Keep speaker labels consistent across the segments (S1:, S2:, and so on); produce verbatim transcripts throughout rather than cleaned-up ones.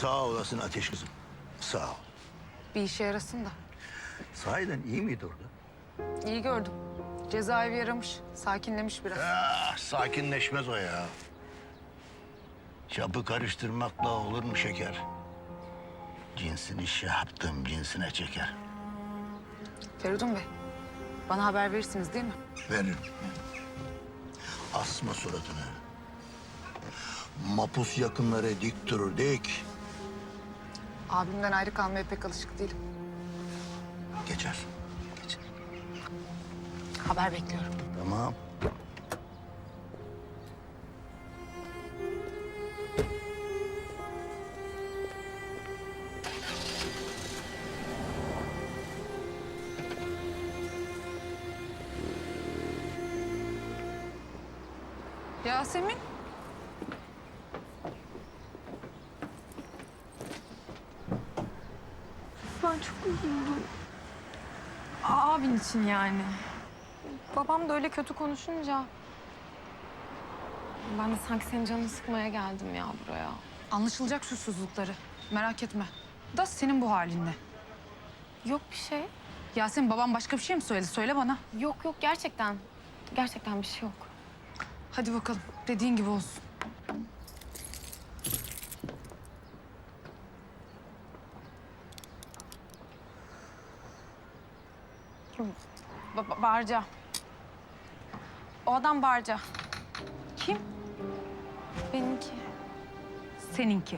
S1: Sağ olasın Ateş kızım. Sağ ol.
S2: Bir işe yarasın da.
S1: Sahiden iyi miydi orada?
S2: İyi gördüm. Cezaevi yaramış, sakinlemiş biraz.
S1: Ah, sakinleşmez o ya. Çapı karıştırmakla olur mu şeker? Cinsini şey yaptım, cinsine çeker.
S2: Feridun Bey, bana haber verirsiniz değil mi?
S1: Veririm. Asma suratını. Mapus yakınları dik durur dik.
S2: Abimden ayrı kalmaya pek alışık değilim.
S1: Geçer. Geçer.
S2: Haber bekliyorum.
S1: Tamam.
S2: Yasemin.
S3: Ben çok üzüldüm. Abin için yani. Babam da öyle kötü konuşunca... Ben de sanki senin canını sıkmaya geldim ya buraya.
S2: Anlaşılacak susuzlukları. Merak etme. Da senin bu halinde.
S3: Yok bir şey.
S2: Yasemin, babam başka bir şey mi söyledi? Söyle bana.
S3: Yok yok gerçekten. Gerçekten bir şey yok.
S2: Hadi bakalım. Dediğin gibi olsun.
S3: Ba ba- Barca. O adam Barca.
S2: Kim?
S3: Benimki.
S2: Seninki.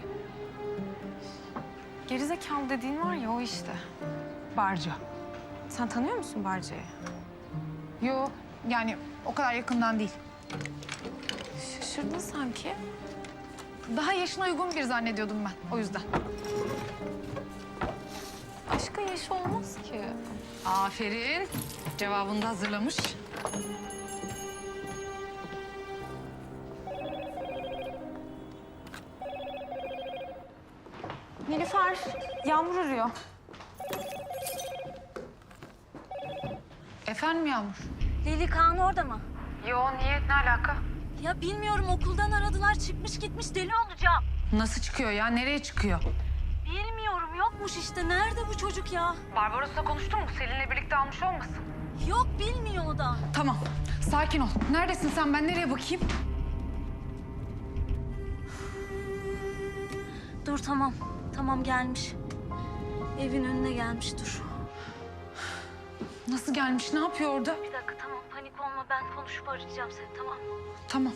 S3: Gerizekalı dediğin var ya o işte.
S2: Barca.
S3: Sen tanıyor musun Barca'yı?
S2: Yo, yani o kadar yakından değil.
S3: Şaşırdın sanki.
S2: Daha yaşına uygun biri zannediyordum ben. O yüzden.
S3: Aşkın yaşı olmaz ki.
S2: Aferin. Cevabını da hazırlamış.
S3: Nilüfer, Yağmur arıyor.
S2: Efendim Yağmur?
S4: Lili Kaan orada mı?
S2: Yo, niye? Ne alaka?
S4: Ya bilmiyorum, okuldan aradılar, çıkmış gitmiş, deli olacağım.
S2: Nasıl çıkıyor ya? Nereye çıkıyor?
S4: Bilmiyorum, yokmuş işte. Nerede bu çocuk ya?
S2: Barbaros'la konuştun mu? Selin'le birlikte almış olmasın?
S4: Yok, bilmiyor o da.
S2: Tamam. Sakin ol. Neredesin sen? Ben nereye bakayım?
S4: Dur tamam, tamam gelmiş. Evin önüne gelmiş, dur.
S2: Nasıl gelmiş? Ne yapıyor orada?
S4: Bir dakika tamam, panik olma. Ben konuşup arayacağım seni, tamam mı?
S2: Tamam.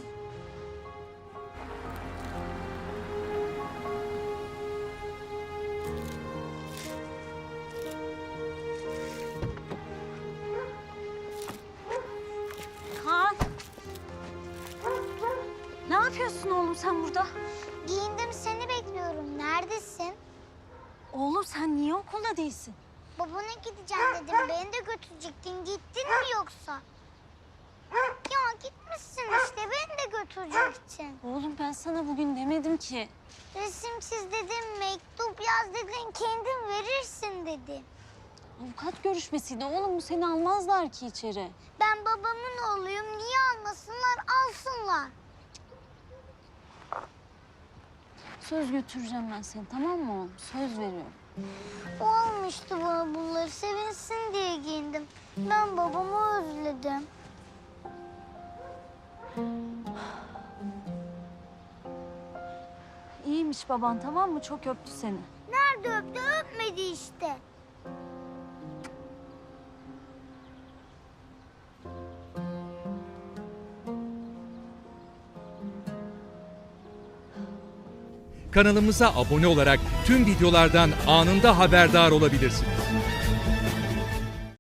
S4: Kaan! Ne yapıyorsun oğlum sen burada?
S5: Giyindim, seni bekliyorum. Neredesin?
S4: Oğlum sen niye okulda değilsin?
S5: Babana gideceğim dedim. Beni de götürecektin. Gittin mi yoksa? Ya gitmişsin işte. Beni de götürecektin.
S4: Oğlum ben sana bugün demedim ki.
S5: Resim çiz dedim, mektup yaz dedin. Kendin verirsin dedi.
S4: Avukat görüşmesiydi oğlum, bu seni almazlar ki içeri.
S5: Ben babamın oğluyum. Niye almasınlar? Alsınlar.
S4: Söz götüreceğim ben seni, tamam mı oğlum? Söz veriyorum.
S5: O almıştı bana bunları. Sevinsin diye giyindim. Ben babamı özledim.
S4: İyiymiş baban, tamam mı? Çok öptü seni.
S5: Nerede öptü? Öpmedi işte.
S6: Kanalımıza abone olarak tüm videolardan anında haberdar olabilirsiniz.